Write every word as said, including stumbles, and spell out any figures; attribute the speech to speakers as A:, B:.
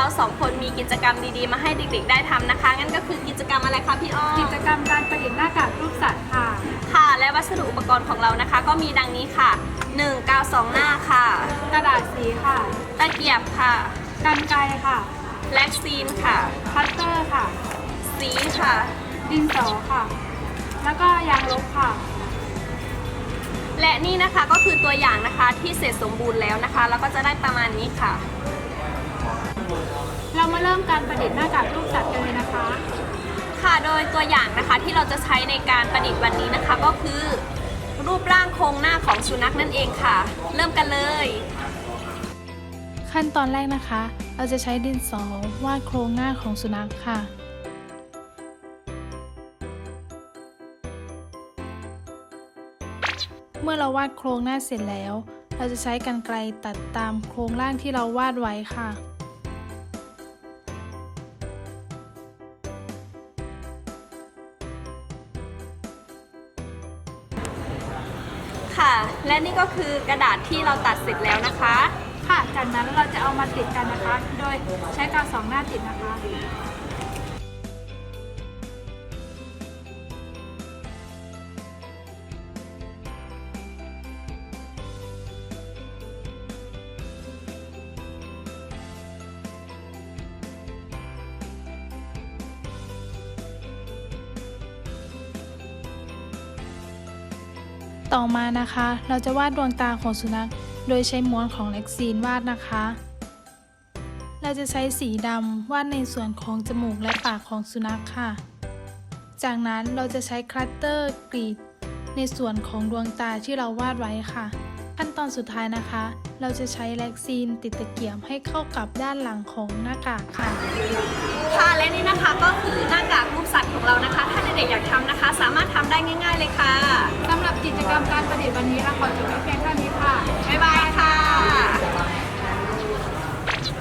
A: เราสองคนมีกิจกรรมดีๆมาให้เด็กๆได้ทำนะคะงั้นก็คือกิจกรรมอะไรคะพี่อ้อม
B: กิจกรรมการประดิษฐ์หน้ากากรูปสัตว์ค่ะ
A: ค่ะและวัสดุอุปกรณ์ของเรานะคะ ก็มีดังนี้ค่ะหนึ่งกาวสองหน้าค่ะ
B: กระดาษสีค่ะ
A: ตะเกียบค่ะ
B: กรรไกรค่ะ
A: แล็กซีนค่ะ
B: คัตเตอร์ค่ะ
A: สีค่ะ
B: ดินสอค่ะ แล้วก็ยางลบค่ะ
A: และนี่นะคะก็คือตัวอย่างนะคะที่เสร็จสมบูรณ์แล้วนะคะแล้วก็จะได้ประมาณนี้ค่ะ
B: เรามาเริ่มการประดิษฐ์หน้ากากรูปสัตว์กันเลยนะคะ
A: ค่ะโดยตัวอย่างนะคะที่เราจะใช้ในการประดิษฐ์วันนี้นะคะ ก็คือรูปร่างโครงหน้าของสุนัขนั่นเองค่ะ เริ่มกันเลย
C: ขั้นตอนแรกนะคะ เราจะใช้ดินสอวาดโครงหน้าของสุนัขค่ะ เมื่อเราวาดโครงหน้าเสร็จแล้ว เราจะใช้กรรไกรตัดตามโครงร่างที่เราวาดไว้ค่ะ
A: ค่ะ และนี่ก็คือกระดาษที่เราตัดเสร็จแล้วนะคะ
B: ค่ะ จากนั้นเราจะเอามาติดกันนะคะ โดยใช้กาวสองหน้าติดนะคะ
C: ต่อมานะคะ เราจะวาดดวงตาของสุนัข โดยใช้ม้วนของเล็กซีนวาดนะคะ เราจะใช้สีดำวาดในส่วนของจมูกและปากของสุนัขค่ะ จากนั้นเราจะใช้คัตเตอร์กรีดในส่วนของดวงตาที่เราวาดไว้ค่ะ ขั้นตอนสุดท้ายนะคะ เราจะใช้เล็กซีนติดตะเกียบให้เข้ากับด้านหลังของหน้ากากค่ะ
A: ค่ะและนี่นะคะก็คือหน้ากากรูปสัตว์ของเรานะคะ ถ้าเด็กๆอยากทำนะคะ สามารถทำได้ง่าย ๆเลยค่ะ
B: สำหรับกิจกรรมการประดิษฐ์วันนี้เราขอจบไว้เพียงเท่านี้ค่ะ
A: บ๊ายบาย